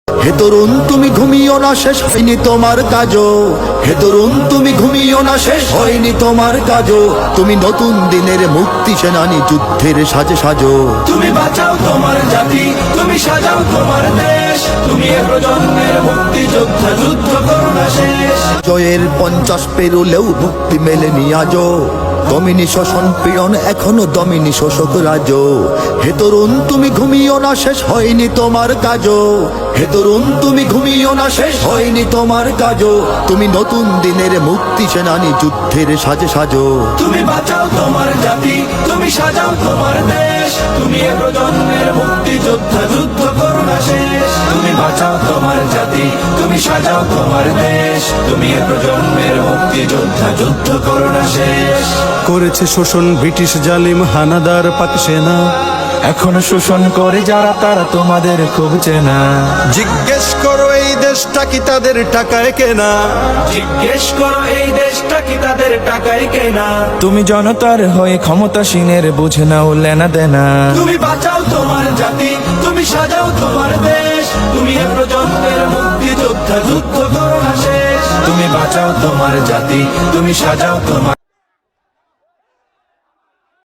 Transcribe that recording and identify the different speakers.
Speaker 1: হে তরুণ তুমি ঘুমিও না, শেষ হয়নি তোমার কাজও। হে তরুণ তুমি ঘুমিও না, শেষ হয়নি তোমার কাজও। তুমি নতুন দিনের মুক্তি সেনানী, যুদ্ধের সাজে সাজো।
Speaker 2: তুমি বাঁচাও তোমার জাতি, তুমি সাজাও তোমার দেশ। তুমি এ প্রজন্মের মুক্তি যোদ্ধা, যুদ্ধ করো না শেষ।
Speaker 1: জয়ের 50 পেরুলেও মুক্তি মেলেনি আজও। দমিনী শোষণ পীড়ন এখনো দমিনী শোষক রাজ। হে তরুণ তুমি ঘুমিও না, শেষ হয়নি তোমার কাজও। হে তরুণ তুমি ঘুমিও না, শেষ হয়নি তোমার কাজও। তুমি নতুন দিনের মুক্তি সেনানী, যুদ্ধের সাজে সাজো।
Speaker 2: তুমি বাঁচাও তোমার জাতি, তুমি সাজাও তোমার দেশ। তুমি এ প্রজন্মের মুক্তি যোদ্ধা, যুদ্ধ করো না শেষ। তুমি বাঁচাও তোমার জাতি, তুমি সাজাও তোমার দেশ। তুমি এ প্রজন্মের মুক্তি যোদ্ধা, যুদ্ধ করো না শেষ।
Speaker 3: করেছে শোষণ ব্রিটিশ জালিম হানাদার পাক সেনা।
Speaker 2: এখনো শোষণ করে যারা, তারা তোমাদের খুব চেনা।
Speaker 3: জিজ্ঞেস করো এই দেশটা কি তাদের টাকায় কেনা।
Speaker 2: জিজ্ঞেস করো এই দেশটা কি তাদের টাকায় কেনা। তুমি জনতার হয়ে ক্ষমতাসীনের বুঝে নাও লেনা দেনা। তুমি বাঁচাও তোমার জাতি, তুমি সাজাও তোমার দেশ। তুমি এ প্রজন্মের মুক্তি যোদ্ধা, যুদ্ধ করো না শেষ। তুমি বাঁচাও তোমার জাতি, তুমি সাজাও তোমার